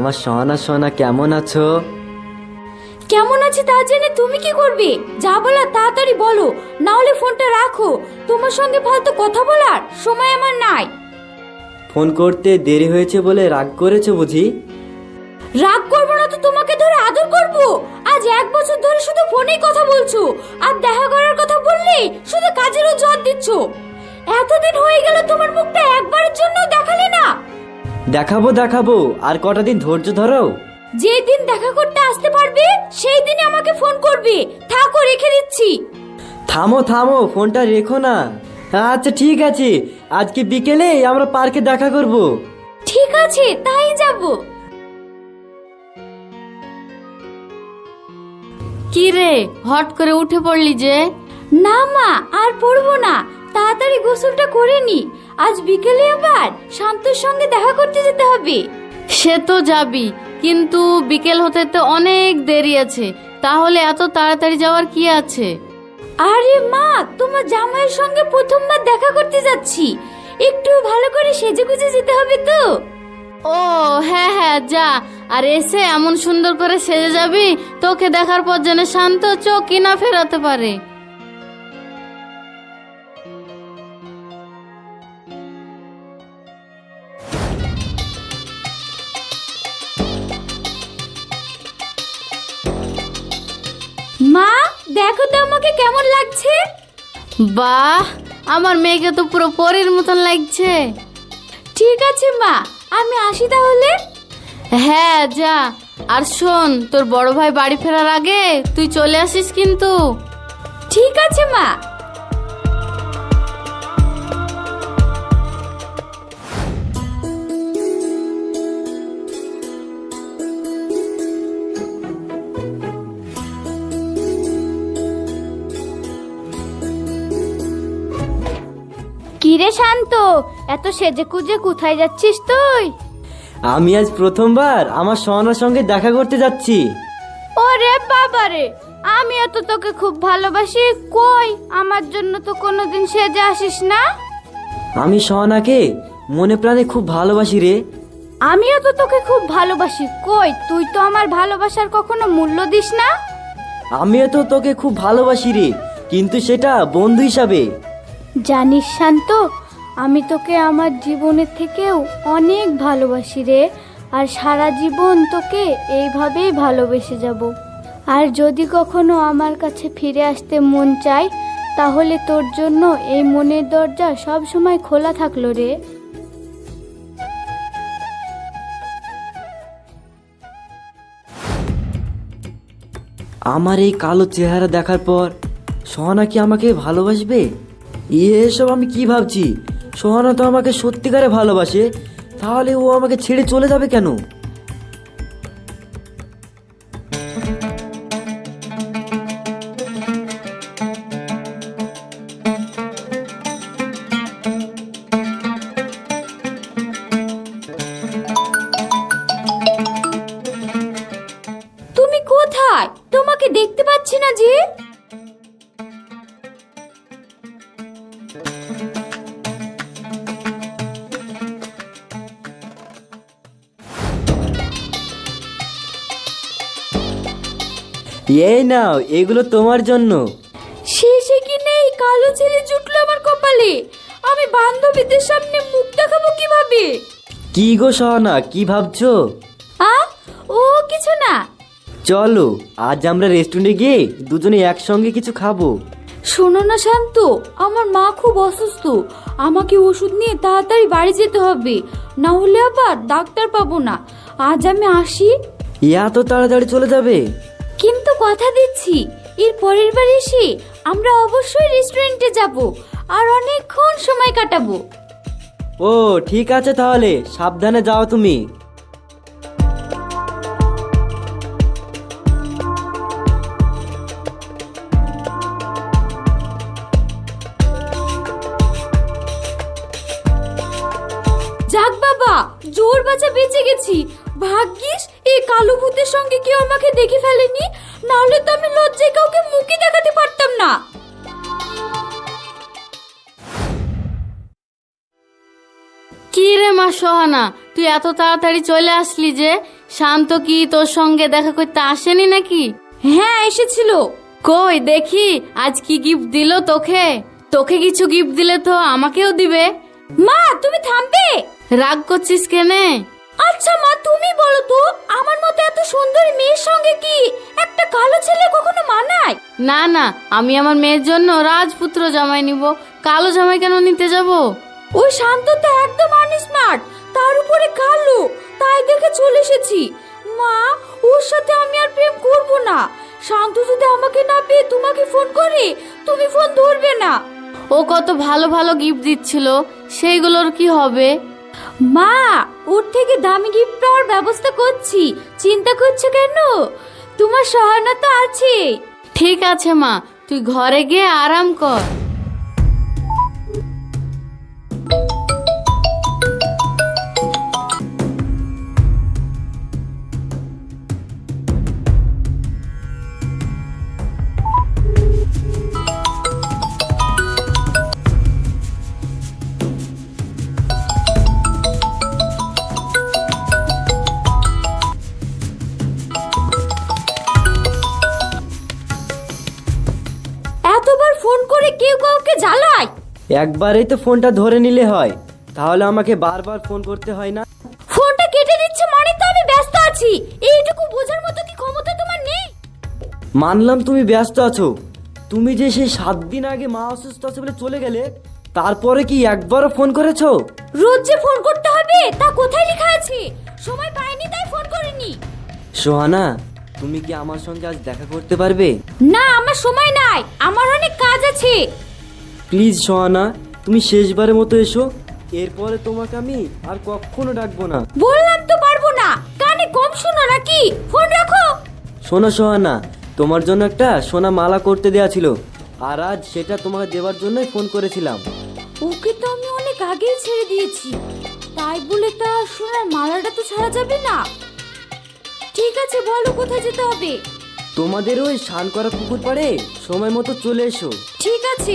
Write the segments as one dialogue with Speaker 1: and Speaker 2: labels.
Speaker 1: আমার সোনা সোনা কেমন আছো?
Speaker 2: কেমন আছে তা জেনে তুমি কি করবে? যা বলার তাড়াতাড়ি বলো, না হলে ফোনটা রাখো। তোমার সঙ্গে ফালতু কথা বলার সময় আমার নাই।
Speaker 1: ফোন করতে দেরি হয়েছে বলে রাগ করেছো বুঝি?
Speaker 2: রাগ করবো না তো তোমাকে ধরে আদর করব? আজ 1 বছর ধরে শুধু ফোনেই কথা বলছো, আর দেখা করার কথা বললে শুধু কাজেরও জোর দিচ্ছ। এতদিন হয়ে গেল তোমার মুখটা একবারের জন্য দেখালে না।
Speaker 1: দেখাবো দেখাবো, আর কটা দিন ধৈর্য ধরো।
Speaker 2: যেই দিন দেখা করতে আসতে পারবে সেই দিনই আমাকে ফোন করবে। থাকো, রেখে দিচ্ছি।
Speaker 1: থামো থামো, ফোনটা রেখো না। আচ্ছা ঠিক আছে, আজকে বিকেলে আমরা পার্কে দেখা করব।
Speaker 2: ঠিক আছে, তাই যাব।
Speaker 3: কি রে, হট করে উঠে পড়লি যে?
Speaker 2: না মা, আর পড়বো না, তাড়াতাড়ি গোসলটা করে নি। আজ বিকেলে আবার শান্তর সঙ্গে দেখা করতে যেতে হবে।
Speaker 3: সে তো যাবি, কিন্তু বিকেল হতে তো অনেক দেরি আছে। তাহলে এত তাড়াতাড়ি যাওয়ার কি আছে?
Speaker 2: আরে মা, তোমার জামাইয়ের সঙ্গে প্রথমবার দেখা করতে যাচ্ছি, একটু ভালো করে সেজেগুজে যেতে হবে তো।
Speaker 3: ও হ্যাঁ হ্যাঁ, যা। আর এসে এমন সুন্দর করে সেজে যাবি, তোকে দেখার পর যেন শান্ত চোখই না ফেরাতে পারে।
Speaker 2: মা, দেখো তো আমাকে কেমন লাগছে।
Speaker 3: বাহ, আমার মেয়েকে তো পুরো পরীর মতন লাগছে।
Speaker 2: ঠিক আছে মা, আমি আসি তাহলে।
Speaker 3: হ্যাঁ যা। আর শোন, তোর বড় ভাই বাড়ি ফেরার আগে তুই চলে আসিস কিন্তু।
Speaker 2: ঠিক আছে মা। কিরে শান্ত, এত সেজে কুজে কোথায় যাচ্ছিস তুই?
Speaker 1: আমি আজ প্রথমবার আমার সোনার সঙ্গে দেখা করতে যাচ্ছি।
Speaker 2: ওরে বাবারে, আমিও তো তোকে খুব ভালোবাসি, কই আমার জন্য তো কোনোদিন সেজে আসিস না।
Speaker 1: আমি সোনাকে মনে প্রাণে খুব ভালোবাসি রে।
Speaker 2: আমিও তো তোকে খুব ভালোবাসি, কই তুই তো আমার ভালোবাসার কখনো মূল্য দিস না।
Speaker 1: আমিও তো তোকে খুব ভালোবাসি রে, কিন্তু সেটা বন্ধু হিসাবে।
Speaker 2: জানিস শান্ত, আমি তোকে আমার জীবনের থেকেও অনেক ভালোবাসি রে, আর সারা জীবন তোকে এইভাবেই ভালোবেসে যাব। আর যদি কখনো আমার কাছে ফিরে আসতে মন চায়, তাহলে তোর জন্য এই মনের দরজা সব সময় খোলা থাকলো রে।
Speaker 1: আমার এই কালো চেহারা দেখার পর সোহানা কি আমাকে ভালোবাসবে? এসব আমি কি ভাবছি? সোহানা তো আমাকে সত্যিকারে ভালোবাসে, তাহলে ও আমাকে ছেড়ে চলে যাবে কেন?
Speaker 2: তুমি কোথায়? তোমাকে দেখতে পাচ্ছি না যে।
Speaker 1: এই নাও, এগুলো তোমার জন্য।
Speaker 2: শেষে কি নেই কালো ছেলে জুটলো আমার কপালে। আমি বান্ধবীদের সামনে মুখ দেখাবো কিভাবে?
Speaker 1: কি গো সোহানা, কি ভাবছো?
Speaker 2: আ ও কিছু না।
Speaker 1: চলো আজ আমরা রেস্টুরেন্টে গিয়ে দুজনে একসঙ্গে কিছু খাবো।
Speaker 2: শোনো না শান্ত, আমার মা খুব অসুস্থ, আমাকে ওষুধ নিয়ে তাড়াতাড়ি বাড়ি যেতে হবে, না হলে আবার ডাক্তার পাবো না। আজ আমি আসি।
Speaker 1: এত তাড়াতাড়ি চলে যাবে?
Speaker 2: কিন্তু কথা দিচ্ছি, এর পরের বার এসে আমরা অবশ্যই রেস্টুরেন্টে যাব, আর অনেকক্ষণ সময় কাটাবো।
Speaker 1: ও ঠিক আছে, তাহলে সাবধানে যাও তুমি।
Speaker 2: যাক বাবা, জোর বাঁচা বেঁচে গেছি। ভাগ্যিস এই কালো ভূতের সঙ্গে কেউ আমাকে দেখে ফেলেনি, নাহলে তো আমি লজ্জায় কাউকে মুখই দেখাতে পারতাম না।
Speaker 3: কি রে মা সোহানা, তুই এত তাড়াতাড়ি চলে আসলি যে? শান্ত কি তোর সঙ্গে দেখা করতে আসেনি নাকি?
Speaker 2: হ্যাঁ এসেছিল।
Speaker 3: কই দেখি আজ কি গিফট দিল তোকে? তোকে কিছু গিফট দিলে তো আমাকেও দিবে।
Speaker 2: মা তুমি থামবে?
Speaker 3: রাগ করছিস কেনে?
Speaker 2: আচ্ছা মা তুমি বলো তো, আমার মতো এত সুন্দরী মেয়ের সঙ্গে কি একটা কালো ছেলে কখনো মানায়?
Speaker 3: না না, আমি আমার মেয়ের জন্য রাজপুত্র জামাই নিব, কালো জামাই কেন নিতে যাব?
Speaker 2: ওই শান্ত তো একদম আনস্মার্ট, তার উপরে কালো, তাই দেখে চলে এসেছি। মা ওর সাথে আমি আর প্রেম করব না। শান্ত যদি আমাকে না পেয়ে তোমাকে ফোন করে, তুমি ফোন ধরবে না।
Speaker 3: ও কত ভালো ভালো গিফট দিচ্ছিল, সেইগুলোর কি হবে?
Speaker 2: মা ওর থেকে দামি গিফট পাওয়ার ব্যবস্থা করছি, চিন্তা করছো কেন? তোমার সহায়তা আছে।
Speaker 3: ঠিক আছে মা, তুই ঘরে গিয়ে আরাম কর।
Speaker 2: এতবার ফোন করে কেউ কাউকে জ্বালায়?
Speaker 1: একবারেই তো ফোনটা ধরে নিলে হয়, তাহলে আমাকে বারবার ফোন করতে হয় না।
Speaker 2: ফোনটা কেটে দিচ্ছে মানে তো আমি ব্যস্ত আছি, এইটুকু বোঝার মতো কি ক্ষমতা তোমার নেই?
Speaker 1: মানলাম তুমি ব্যস্ত আছো, তুমি যে সেই 7 দিন আগে মা অসুস্থ আছে বলে চলে গেলে, তারপরে কি একবারও ফোন করেছো?
Speaker 2: রোজ যে ফোন করতে হবে তা কোথায় লেখা আছে? সময় পাইনি তাই ফোন করিনি।
Speaker 1: সোহানা, তুমি কি আমার সঙ্গে আজ দেখা করতে পারবে?
Speaker 2: না আমার সময় নাই, আমার অনেক কাজ আছে।
Speaker 1: প্লিজ সোহানা, তুমি শেষবারের মতো এসো, এরপরে তোমাকে আমি আর কখনো ডাকবো না।
Speaker 2: বললাম তো পারবো না, কানে কম শোনো নাকি? ফোন রাখো।
Speaker 1: শোনো সোহানা, তোমার জন্য একটা সোনা মালা করতে দেয়া ছিল, আর আজ সেটা তোমাকে দেওয়ার জন্যই ফোন করেছিলাম।
Speaker 2: ওকে তো আমি অনেক আগেই ছেড়ে দিয়েছি, তাই বলে তা সোনার মালাটা তো ছাড়া যাবে না। ঠিক আছে বলো কোথায় যেতে হবে?
Speaker 1: তোমাদের ওই স্নান করা পুকুর পাড়ে সময় মতো চলে এসো।
Speaker 2: ঠিক আছে।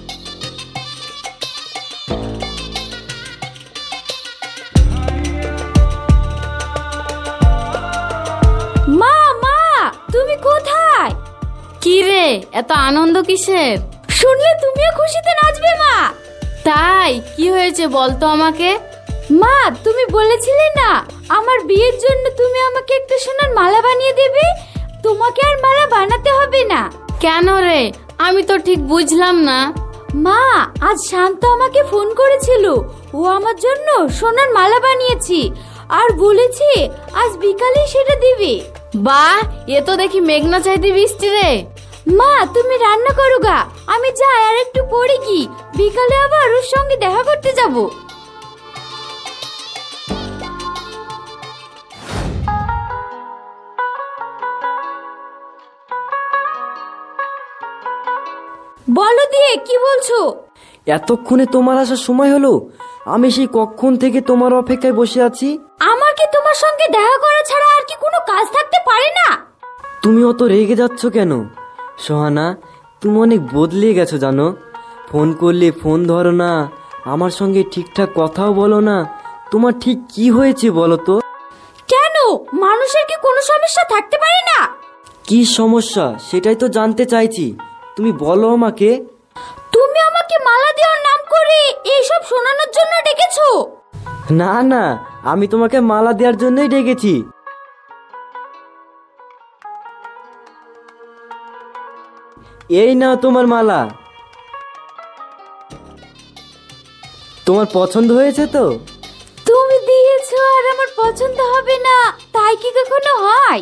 Speaker 2: মা মা তুমি কোথায়?
Speaker 3: কি রে, এত আনন্দ কিসের?
Speaker 2: শুনলে তুমিও খুশিতে নাচবে মা।
Speaker 3: তাই কি হয়েছে বলতো আমাকে?
Speaker 2: মা তুমি বলেছিলে না আমার বিয়ের জন্য তুমি আমাকে একটা সোনার মালা বানিয়ে দেবে, তোমাকে আর মালা বানাতে হবে না।
Speaker 3: কেন রে, আমি তো ঠিক বুঝলাম না।
Speaker 2: মা আজ শান্ত আমাকে ফোন করেছিল, ও আমার জন্য সোনার মালা বানিয়েছি আর বলেছে আজ বিকালে সেটা দিবে।
Speaker 3: বাহ, এ তো দেখি মেঘনা চাইতে বৃষ্টি রে।
Speaker 2: মা তুমি রান্না করো গা, আমি যাই আর একটু পরে কি, বিকালে আবার ওর সঙ্গে দেখা করতে যাব। বলো দিয়ে কি বলছো?
Speaker 1: এতক্ষণে তোমার আসার সময় হলো? আমি সেই কখন থেকে তোমার অপেক্ষায় বসে আছি।
Speaker 2: আমার কি তোমার সঙ্গে দেখা করা ছাড়া আর কি কোনো কাজ থাকতে পারে না?
Speaker 1: তুমি অত রেগে যাচ্ছ কেন সোহানা? তুমি অনেক বদলে গেছো জানো। ফোন করলে ফোন ধরো না, আমার সঙ্গে ঠিকঠাক কথাও বলো না। তোমার ঠিক কি হয়েছে বলো তো?
Speaker 2: কেন মানুষের কি কোনো সমস্যা থাকতে পারে না?
Speaker 1: কি সমস্যা সেটাই তো জানতে চাইছি, তুমি বলো আমাকে।
Speaker 2: তুমি আমাকে মালা দেওয়ার নাম করে এইসব শোনানোর জন্য ডেকেছো?
Speaker 1: না না, আমি তোমাকে মালা দেওয়ার জন্যই ডেকেছি। এই নাও তোমার মালা। তোমার পছন্দ হয়েছে তো?
Speaker 2: তুমি দিয়েছো আর আমার পছন্দ হবে না তাই কি কখনো হয়?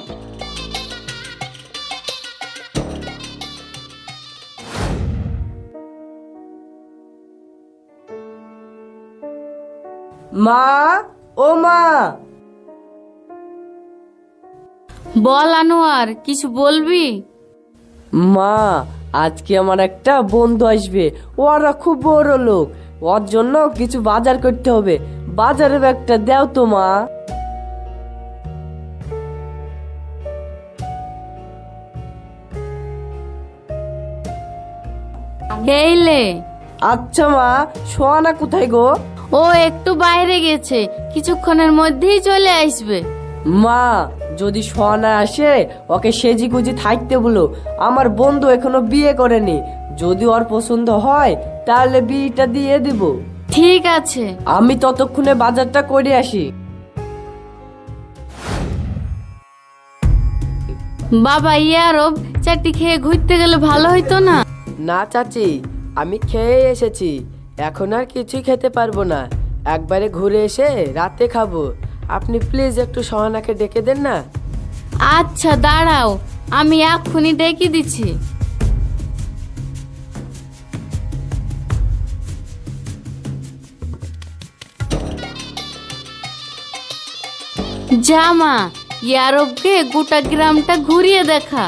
Speaker 1: মা, ও মা।
Speaker 3: বল আনোয়ার, কিছু বলবি?
Speaker 4: মা, আজকে আমার একটা বন্ধু আসবে, ওরা খুব বড় লোক, ওর জন্য কিছু বাজার করতে হবে, বাজারের ব্যাগটা দাও তো মা।
Speaker 3: এইলে।
Speaker 4: আচ্ছা মা, সোহানা কোথায় গো?
Speaker 3: ও একটু বাইরে গেছে, কিছুক্ষণের মধ্যেই চলে আসবে।
Speaker 4: মা, যদি সোহানা আসে ওকে সেজি গুজি থাকতে বলো। আমার বন্ধু এখনো বিয়ে করেনি, যদি ওর পছন্দ হয় তাহলে বিয়েটা দিয়ে দিব।
Speaker 3: ঠিক আছে।
Speaker 4: আমি ততক্ষণে বাজারটা করে আসি।
Speaker 3: বাবা ইয়ারব, চারটি খেয়ে ঘুরতে গেলে ভালো হইতো না?
Speaker 4: না চাচি, আমি খেয়ে এসেছি, এখন আর কিছুই খেতে পারবো না। একবারে ঘুরে এসে রাতে খাবো। আপনি প্লিজ একটু সোহানাকে ডেকে দেন না।
Speaker 3: আচ্ছা দাঁড়াও, আমি এক্ষুনি ডেকে দিচ্ছি। জামা, ইয়ারবকে গোটা গ্রামটা ঘুরিয়ে দেখা।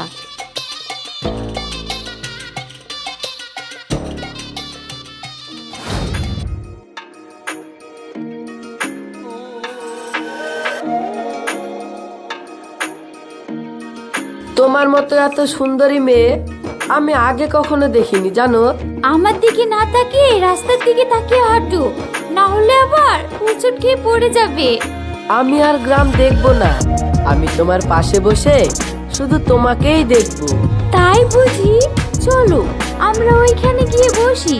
Speaker 4: তোমার মতো এত সুন্দরী মেয়ে আমি আগে কখনো দেখিনি জানো।
Speaker 2: আমার দিকে না তাকিয়ে রাস্তার দিকে তাকিয়ে হাঁটো, না হলে আবার হোঁচট খেয়ে পড়ে যাবে।
Speaker 4: আমি আর গ্রাম দেখবো না, আমি তোমার পাশে বসে শুধু তোমাকেই দেখবো।
Speaker 2: তাই বুঝি? চলো আমরা ওইখানে গিয়ে বসি।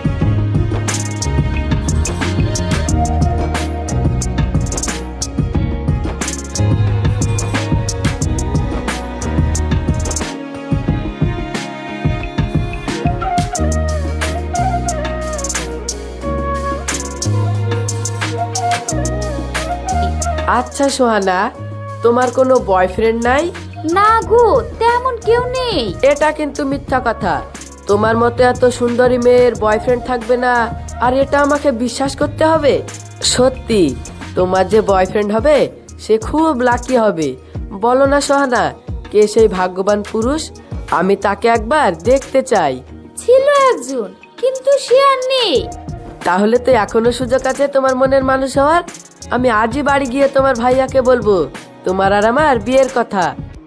Speaker 4: আচ্ছা সোহানা, তোমার কোনো বয়ফ্রেন্ড নাই?
Speaker 2: না গো, তেমন কেউ নেই।
Speaker 4: এটা কিন্তু মিথ্যা কথা। তোমার মতো এত সুন্দরী মেয়ের বয়ফ্রেন্ড থাকবে না, আর এটা আমাকে বিশ্বাস করতে হবে? সত্যি তোমার যে বয়ফ্রেন্ড হবে সে খুব লাকি হবে। বলো না সোহানা, কে সেই ভাগ্যবান পুরুষ? আমি তাকে একবার দেখতে চাই।
Speaker 2: ছিল একজন, কিন্তু সে আর নেই।
Speaker 4: তাহলে তো এখনো সুযোগ আছে তোমার মনের মানুষ হওয়ার। আমি আজই বাড়ি গিয়ে তোমার ভাইয়াকে বলবো তোমার আর আমার বিয়ের কথা।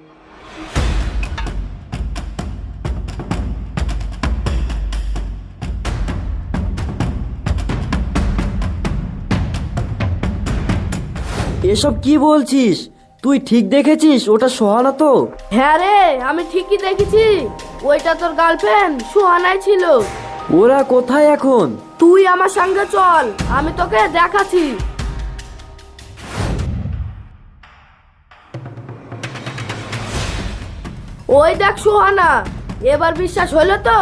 Speaker 1: এসব কি বলছিস? তুই ঠিক দেখেছিস ওটা সোহানা তো?
Speaker 5: হ্যাঁ রে, আমি ঠিকই দেখেছি, ওইটা তোর গার্লফ্রেন্ড সুহানাই ছিল।
Speaker 1: ওরা কোথায় এখন?
Speaker 5: তুই আমার সঙ্গে চল, আমি তোকে দেখাচ্ছি। ওই দেখ সুহানা, এবার বিশ্বাস হলো তো?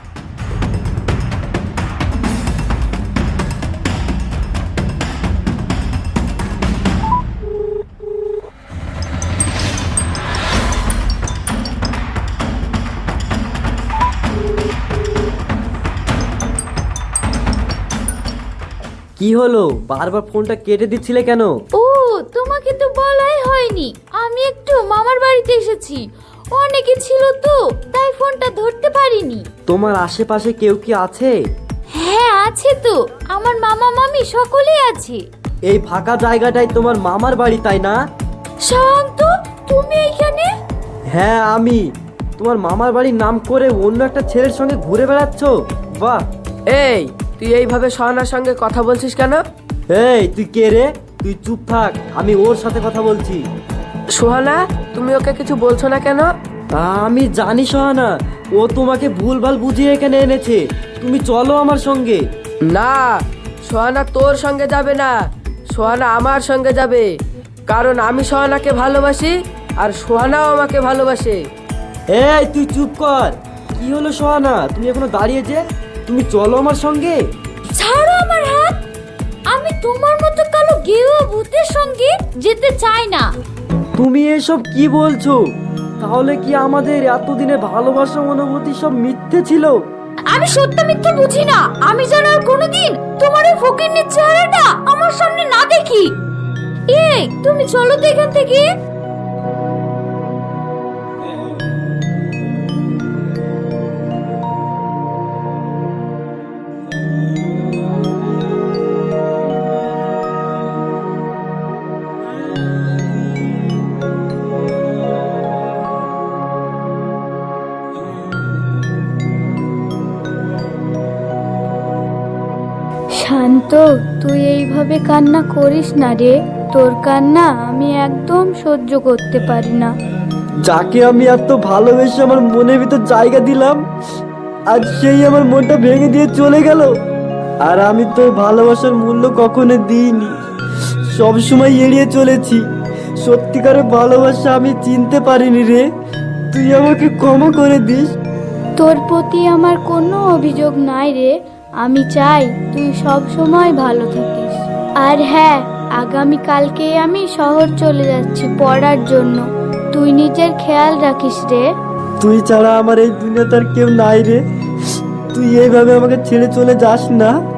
Speaker 1: কি হলো, বারবার ফোনটা কেটে দিচ্ছিলে কেন?
Speaker 2: ও, তোমাকে তো বলাই হয়নি, আমি একটু মামার বাড়িতে এসেছি, অনেকে ছিল তো তাই ফোনটা ধরতে পারিনি।
Speaker 1: তোমার আশেপাশে কেউ কি আছে?
Speaker 2: হ্যাঁ আছে তো, আমার মামা মামি সকলেই আছে।
Speaker 1: এই ফাঁকা জায়গাটাই তোমার মামার বাড়ি তাই না?
Speaker 2: শান্ত, তুমি এইখানে?
Speaker 1: হ্যাঁ আমি। তোমার মামার বাড়ির নাম করে অন্য একটা ছেলের সঙ্গে ঘুরে বেড়াচ্ছ? বাহ।
Speaker 4: এই, তুই এইভাবে সোহানার সঙ্গে কথা বলছিস কেন?
Speaker 1: এই তুই কে রে? তুই চুপ থাক, আমি ওর সাথে কথা বলছি।
Speaker 4: সোহানা, তুমি ওকে কিছু বলছো না কেন?
Speaker 1: আমি জানি সোহানা, ও তোমাকে ভুলভাল বুঝিয়ে এখানে এনেছে। তুমি চলো আমার সঙ্গে।
Speaker 4: না, সোহানা তোর সঙ্গে যাবে না, সোহানা আমার সঙ্গে যাবে। কারণ আমি সোহানাকে ভালোবাসি আর সোহানাও আমাকে ভালোবাসে।
Speaker 1: এই তুই চুপ কর। কি হলো সোহানা, তুমি এখনো দাঁড়িয়ে যে? তুমি চলো আমার সঙ্গে।
Speaker 2: ছাড়ো আমার হাত, আমি তোমার মতো কালো গেরুয়া ভূতের সঙ্গে যেতে চাই না।
Speaker 1: তুমি এসব কি বলছো? তাহলে কি আমাদের এতদিনে ভালোবাসা অনুভূতি সব মিথ্যে ছিল?
Speaker 2: আমি সত্য মিথ্যে বুঝি না, আমি যেন আর কোনোদিন তোমার ওই ফকিন্নির চেহারাটা আমার সামনে না দেখি। এই তুমি চলো তো এখান থেকে। শান্ত, তুই এইভাবে কান্না করিস না রে। তোর কান্না আমি একদম সহ্য করতে পারি না।
Speaker 1: যাকে আমি এত ভালোবেসে আমার মনের ভিতর জায়গা দিলাম, আজ সেই আমার মনটা ভেঙে দিয়ে চলে গেল। আর আমি তো ভালোবাসার মূল্য কখনো দিইনি, সব সময় এড়িয়ে চলেছি। সত্যিকারের ভালোবাসা আমি চিনতে পারিনি রে, তুই আমাকে ক্ষমা করে দিস।
Speaker 2: তোর প্রতি আমার কোনো অভিযোগ নাই রে, আমি চাই তুই সব সময় ভালো থাকিস। আর হ্যাঁ, আগামী কালকে আমি শহর চলে যাচ্ছি পড়ার জন্য, তুই নিজের খেয়াল রাখিস রে।
Speaker 1: তুই ছাড়া আমার এই দুনিয়াতে আর কেউ নাই রে, তুই এইভাবে আমাকে ছেড়ে চলে যাস না।